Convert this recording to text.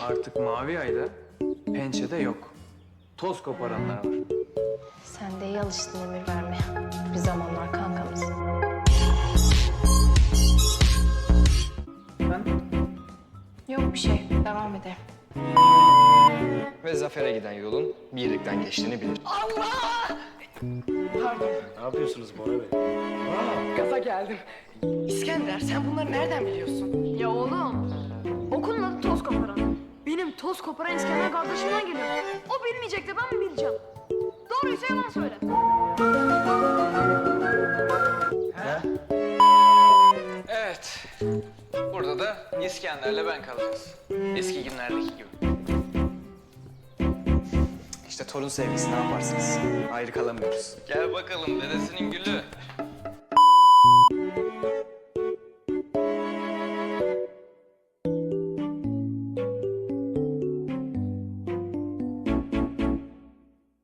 Artık Mavi Ay'da pençede yok. Toz koparanlar var. Sen de iyi alıştın emir vermeye. Bir zamanlar kankamız. Sen? Yok bir şey. Devam edelim. Ve zafere giden yolun birlikten geçtiğini bilir. Pardon. Ne yapıyorsunuz Bora Bey? Gaza geldim. İskender sen bunları nereden biliyorsun? Ya oğlum, okulun adı toz koparan. Benim toz koparan İskender kardeşimden geliyor. O bilmeyecek de ben mi bileceğim? Doğruysa yalan söyle. Evet. Burada da İskender'le ben kalacağız. Eski günlerdeki gibi. İşte torun sevgisi ne yaparsınız? Ayrı kalamıyoruz. Gel bakalım dedesinin gülü.